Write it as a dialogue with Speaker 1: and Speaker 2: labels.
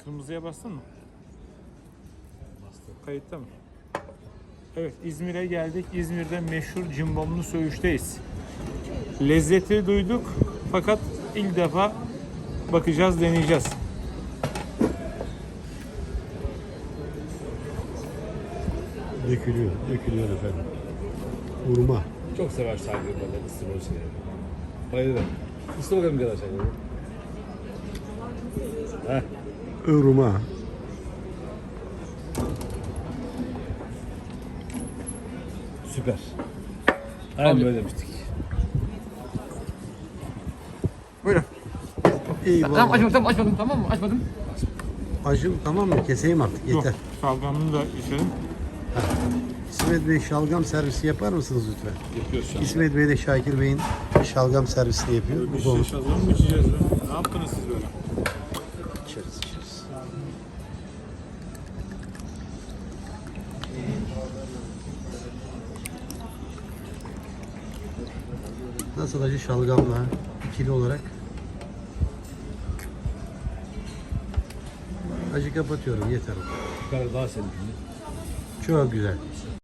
Speaker 1: Kırmızıya bastın mı?
Speaker 2: Bastım.
Speaker 1: Kayıtta mı? Evet, İzmir'e geldik. İzmir'de meşhur cimbomlu söğüşteyiz. Lezzeti duyduk fakat ilk defa bakacağız, deneyeceğiz.
Speaker 3: Dökülüyor, dökülüyor efendim. Vurma.
Speaker 2: Çok sever Şahin böyle ısırma şeyleri. Bayılırım. Isır bakalım kadar Şahin. Heh.
Speaker 3: Irma.
Speaker 2: Süper. Aynen böyle demiştik.
Speaker 1: Buyurun.
Speaker 3: Eyvallah.
Speaker 4: Açmadım tamam mı? Açmadım.
Speaker 3: Acım tamam mı? Keseyim artık yeter.
Speaker 1: Yok, şalgamını da içelim.
Speaker 3: İsmet Bey şalgam servisi yapar mısınız lütfen?
Speaker 2: Yapıyoruz şu an.
Speaker 3: İsmet Bey de Şakir Bey'in şalgam servisini yapıyor.
Speaker 1: Bir
Speaker 3: Bu
Speaker 1: şey
Speaker 3: konu.
Speaker 1: şalgam mı içeceğiz be? Ne yaptınız siz böyle?
Speaker 3: İçeriz, içeriz. Nasıl acı şalgamla ikili olarak? Acı kapatıyorum yeter.
Speaker 2: Bu kadar daha senin.
Speaker 3: Çok güzel.